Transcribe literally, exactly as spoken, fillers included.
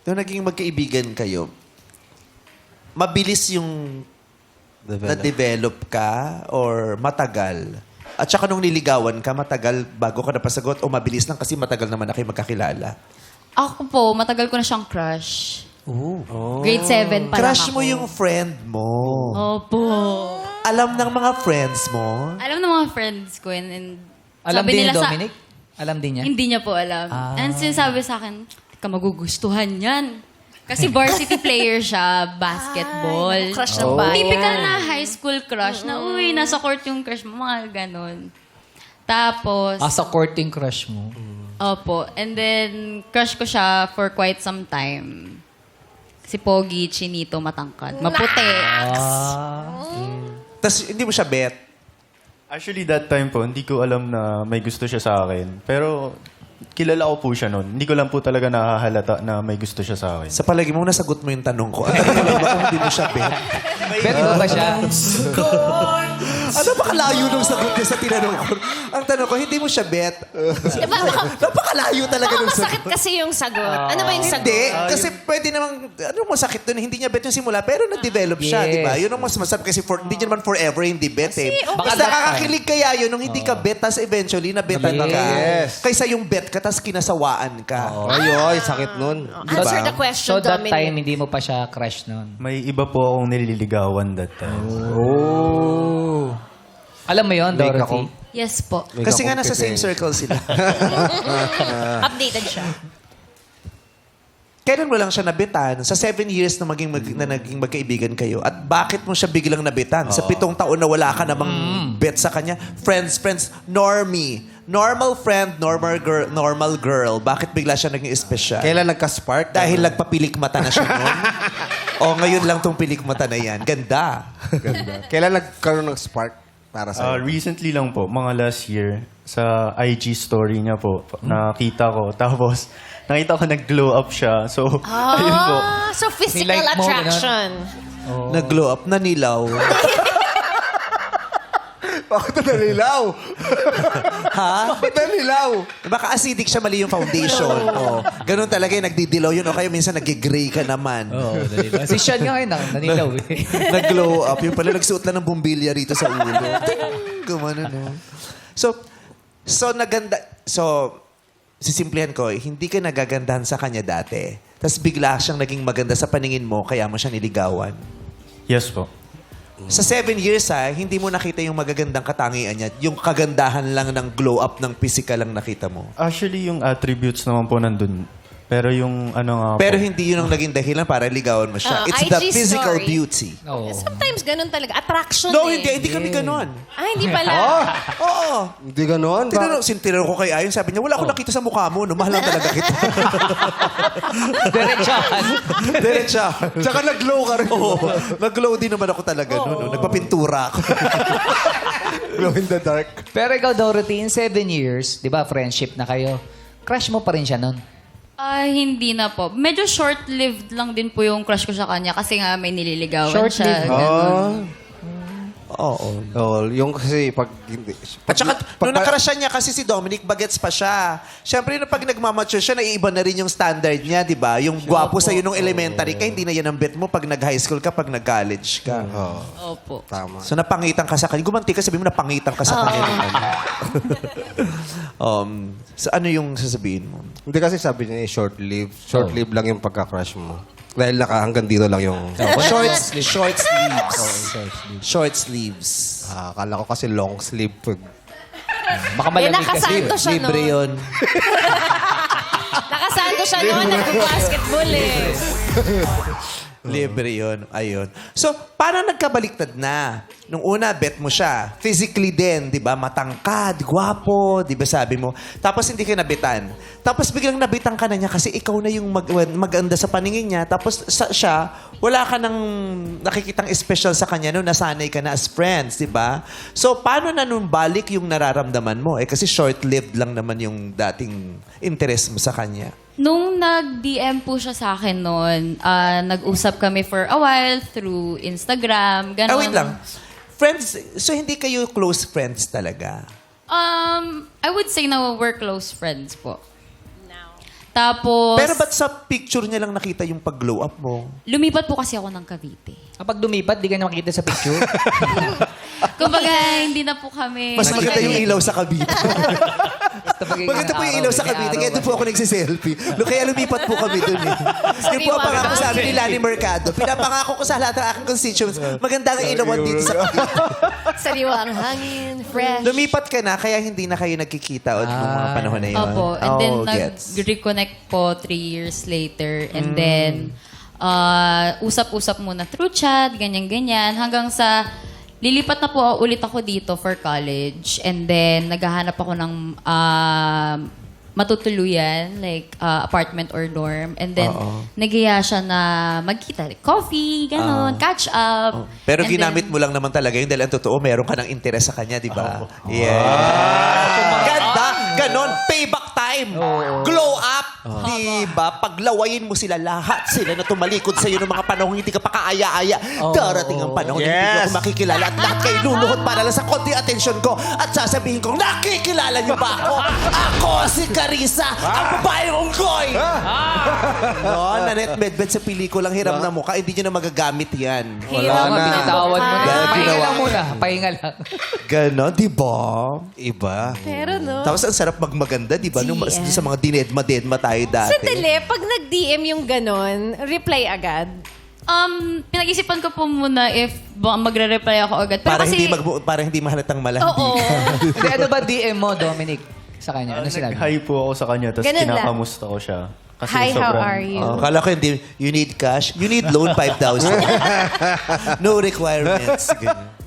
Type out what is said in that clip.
nung naging magkaibigan kayo, mabilis yung na-develop ka or matagal? At saka nung niligawan ka, matagal bago ka napasagot o mabilis lang kasi matagal naman na kayo magkakilala? Ako po, matagal ko na siyang crush. Oh. Grade seven pa lang Crush ako. mo yung friend mo. Opo. Alam ng mga friends mo? Alam ng mga friends ko. And, and Alam sabi din ni nila sa- Dominic? Alam din niya? Hindi niya po alam. Ah. And sinasabi sa akin, ka magugustuhan yan. Kasi varsity player siya, basketball. Ay, crush ng bayan. Typical na high school crush na, uy, nasa court yung crush mo, mga ganon. Tapos, Ah, sa court yung crush mo. opo, and then, crush ko siya for quite some time. Si Pogi, chinito, matangkad. Maputi. Ah. Tapos hindi mo siya bet? Actually, that time po, hindi ko alam na may gusto siya sa akin. Pero, kilala ko po siya noon. Hindi ko lang po talaga nakahalata na may gusto siya sa akin. Sa palagi mo, nasagot mo yung tanong ko. Ang tanong ko lang ba kung hindi mo siya bet? Bet mo ba siya? Ano ba kalayo nung sagot niya sa tinanong ko? Ang tanong ko, hindi mo siya bet? Diba, baka, Napakalayo talaga baka nung sagot. masakit kasi yung sagot. Ano ba yung sagot? Hindi, kasi pwede namang, ano masakit doon, hindi niya bet yung simula, pero nag-develop siya, Yes. di ba? Yun ang mas masarap kasi for, hindi niya naman forever hindi bet eh. Kasi, Mas okay. nakakakilig kaya yun nung hindi ka bet, tas eventually nabetan ka. Yes. Kaysa yung bet ka, tas kinasawaan ka. Ay, ay, sakit nun. Answer the question, So that Dominic. time, hindi mo pa siya crush noon. May iba po akong nililigawan that time. Oh. Alam mo yon, Make Dorothy? ako. Yes po. Kasi nga nasa same circle sila. Updated siya. Kailan mo lang siya nabitan? Sa seven years na, maging mag, na naging magkaibigan kayo. At bakit mo siya biglang nabitan? Sa pitong taon na wala ka namang bet sa kanya. Friends, friends, normie. Normal friend, normal girl, normal girl. Bakit bigla siya naging espesyal? Kailan nagka-spark? Dahil nagpapilik mata na siya noon? O ngayon lang tong pilik mata na yan. Ganda. Ganda. Kailan nagkaroon ng spark para Uh, sa recently lang po, mga last year, sa I G story niya po, nakita ko. Tapos, nakita ko nag-glow up siya. So, ayun po. Ah, so physical Nilike mo, attraction. Nag-glow up, nanilaw. Bakit na nalilaw? Ha? Bakit na nililaw? Baka acidic siya, mali yung foundation. Oh. Ganun talaga yung nagdidilaw yun. O kaya minsan nag-gray ka naman. Oo, oh, si Sean nga ngayon, nanilaw eh. Nag-glow up. Yung pala, nagsuot lang ng bumbilya rito sa ulo. Ting! Gumano, no? So, so naganda... So, sisimplihan ko, hindi ka nagagandahan sa kanya dati. Tapos bigla siyang naging maganda sa paningin mo, kaya mo siya niligawan. Yes po. Sa seven years, ha, hindi mo nakita yung magagandang katangian niya. Yung kagandahan lang ng glow up ng physical lang nakita mo. Actually, yung attributes naman po nandun. Pero yung ano nga Pero po, hindi yun ang naging dahilan para ligawan mo siya. Ah, It's I G the physical story. beauty. Oo. Sometimes ganun talaga. Attraction No, eh. hindi. Hindi kami ganon. Ah, hindi pala. Oo. Hindi ganon. Ba- Tinanong, sintinanong ko kay Ayon, sabi niya, wala akong nakita sa mukha mo. No, mahal lang talaga kita. Diretsahan. Diretsa. Tsaka nag-glow ka rin. Oo. Nag-glow din naman ako talaga. No, no. Nagpapintura ako. Glow in the dark. Pero ikaw, Dorothy, in seven years, di ba, friendship na kayo, crush mo pa rin siya noon? Ah, hindi na po. Medyo short-lived lang din po yung crush ko sa kanya kasi nga may nililigawan siya. Short-lived? ganun. Oo. Oh, yung kasi pag hindi. At saka, pag- nung nakarasyan niya kasi si Dominic, bagets pa siya. Siyempre, nung pag nagmamature siya, naiiba na rin yung standard niya, di ba? Yung gwapo sa'yo nung elementary ka, hindi na yan ang bet mo pag nag-high school ka, pag nag-college ka. Oo, Opo. tama. So, napangitan ka sa kanya. Gumanti ka, sabi mo, napangitan ka sa kanya. nung ano. um, so, ano yung sasabihin mo? Hindi kasi sabi niya, eh, short-lived. Short-lived lang yung pagka-crush mo. Dahil naka hanggang dito lang yung... Short, short sleeves. Short sleeves. Ah, akala ko kasi long sleeve. Baka Eh, malamig kasi. nakasanto siya Libre noon. yun. Nakasanto siya noon. Nag-basketball eh. Libre yun. Ayun. So, paano nagkabaliktad na? Nung una, bet mo siya. Physically din, di ba? Matangkad, gwapo, di ba sabi mo? Tapos hindi ka nabitan. Tapos biglang nabitan ka na niya kasi ikaw na yung mag maganda sa paningin niya. Tapos sa, siya, wala ka nang nakikitang special sa kanya no, nasanay ka na as friends, di ba? So, paano na nung balik yung nararamdaman mo? Eh, kasi short-lived lang naman yung dating interest mo sa kanya. Nung nag-D M po siya sa akin noon, ah, nag-usap kami for a while through Instagram, gano'n. Ah, wait lang. Friends, so hindi kayo close friends talaga? Um, I would say na we're close friends po. Tapos, Pero ba't sa picture niya lang nakita yung pag-glow up mo? lumipat po kasi ako ng Cavite. Kapag dumipat, di ka na makita sa picture. Kumbaga, hindi na po kami... Mas maganda yung ilaw sa Cavite. Basta pag- Maganda po yung ilaw sa may Cavite. araw Kaya doon po ako nagsiselfie. No, kaya lumipat po kami doon eh. Yun po ang pangako sa amin ni Lani Mercado. Pinapangako ko sa lahat ng aking constituents. Maganda ang ilawan dito sa Cavite. Sariwang hangin, fresh. Lumipat ka na, kaya hindi na kayo nagkikita o nung mga panahon na yun. Opo. And then, Oh, gets. nag-reconnect po three years later. And then, uh, usap-usap muna through chat, ganyan-ganyan. Hanggang sa, lilipat na po ulit ako dito for college. And then, naghahanap ako ng uh, matutuluyan, like uh, apartment or dorm. And then, Oo. nagiya siya na magkita. Like, coffee, ganon, catch up. Pero And ginamit then- mo lang naman talaga yun dahil ang totoo, meron ka ng interes sa kanya, di ba? Yeah. Ganda! Ganon! Payback time! Glow up! Di ba? Paglawayin mo sila lahat, sila na tumalikod sa'yo ng mga panahon hindi ka pa kaaya-aya. Darating ang panahon hindi mo ako makikilala at lahat kayo luluhod para lang sa konti atensyon ko at sasabihin ko, nakikilala niyo ba ako? Ako si Carissa, ang babaeng unggoy! No, Nanette Medved sa pelikulang Hiram na Mukha, hindi niyo na magagamit yan. Wala na. Binitawan mo na. Dahil Pahinga ginawa lang ko. muna. Pahinga lang. Ganon, di ba? Iba. Pero no. Tapos ang sarap magmaganda, di ba? Nung mas- G M. sa mga dinedma-dedma tayo dati. Sandali, pag nag-D M yung ganon, reply agad. Um, pinag-isipan ko po muna if ba- magre-reply ako agad. Pero Para kasi, hindi mag para hindi mahalatang malandi. Oo. Hindi, ano ba D M mo, Dominic? Sa kanya? Ano sinabi? Nag-hi po ako sa kanya, tapos Ganun lang. kinakamusta ko siya. Kasi Hi, how sobrang- are you? Oh, kala ko hindi, you need cash, you need loan five thousand. No requirements. Ganyan.